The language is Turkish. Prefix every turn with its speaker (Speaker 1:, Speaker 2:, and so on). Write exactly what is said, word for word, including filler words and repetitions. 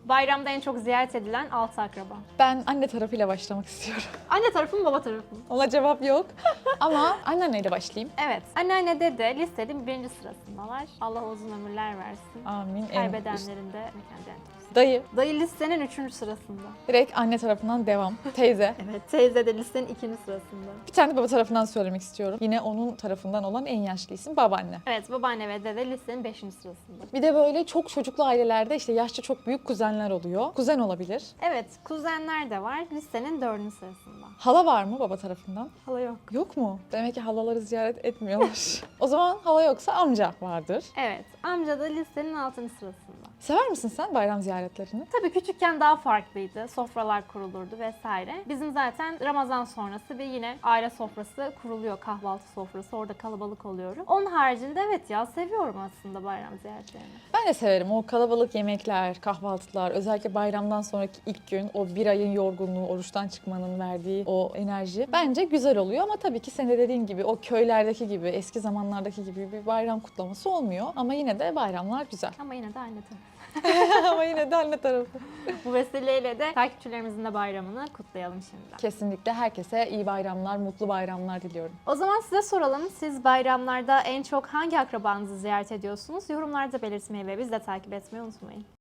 Speaker 1: Bayramda en çok ziyaret edilen altı akraba.
Speaker 2: Ben anne tarafıyla başlamak istiyorum.
Speaker 1: Anne tarafı mı baba tarafı mı?
Speaker 2: Ona cevap yok. Ama anneanneyle başlayayım.
Speaker 1: Evet. Anneanne dede listenin birinci sırasındalar. Allah uzun ömürler versin.
Speaker 2: Amin. En üst.
Speaker 1: Kaybedenlerin de mekan cennet olsun.
Speaker 2: Dayı.
Speaker 1: Dayı listenin üçüncü sırasında.
Speaker 2: Direkt anne tarafından devam. Teyze.
Speaker 1: Evet. Teyze de listenin ikinci sırasında.
Speaker 2: Bir tane de baba tarafından söylemek istiyorum. Yine onun tarafından olan en yaşlı isim babaanne.
Speaker 1: Evet. Babaanne ve dede listenin beşinci sırasında.
Speaker 2: Bir de böyle çok çocuklu ailelerde işte yaşça çok büyük kuzenler oluyor. Kuzen olabilir.
Speaker 1: Evet. Kuzenler de var. Listenin dördüncü sırasında.
Speaker 2: Hala var mı baba tarafından?
Speaker 1: Hala yok.
Speaker 2: Yok mu? Demek ki halaları ziyaret etmiyorlar. O zaman hala yoksa amca vardır.
Speaker 1: Evet. Amca da listenin altıncı sırasında.
Speaker 2: Sever misin sen bayram ziyaretlerini?
Speaker 1: Tabii küçükken daha farklıydı. Sofralar kurulurdu vesaire. Bizim zaten Ramazan sonrası bir yine aile sofrası kuruluyor. Kahvaltı sofrası. Orada kalabalık oluyorum. Onun haricinde evet ya seviyorum aslında bayram ziyaretlerini.
Speaker 2: Ben de severim. O kalabalık yemekler, kahvaltılar, özellikle bayramdan sonraki ilk gün o bir ayın yorgunluğu, oruçtan çıkmanın verdiği o enerji bence güzel oluyor. Ama tabii ki senin de dediğin gibi o köylerdeki gibi, eski zamanlardaki gibi bir bayram kutlaması olmuyor. Ama yine de bayramlar güzel.
Speaker 1: Ama yine de anne tabii.
Speaker 2: Ama yine de anne tarafı.
Speaker 1: Bu vesileyle de takipçilerimizin de bayramını kutlayalım şimdiden.
Speaker 2: Kesinlikle herkese iyi bayramlar, mutlu bayramlar diliyorum.
Speaker 1: O zaman size soralım. Siz bayramlarda en çok hangi akrabanızı ziyaret ediyorsunuz? Yorumlarda belirtmeyi ve bizi de takip etmeyi unutmayın.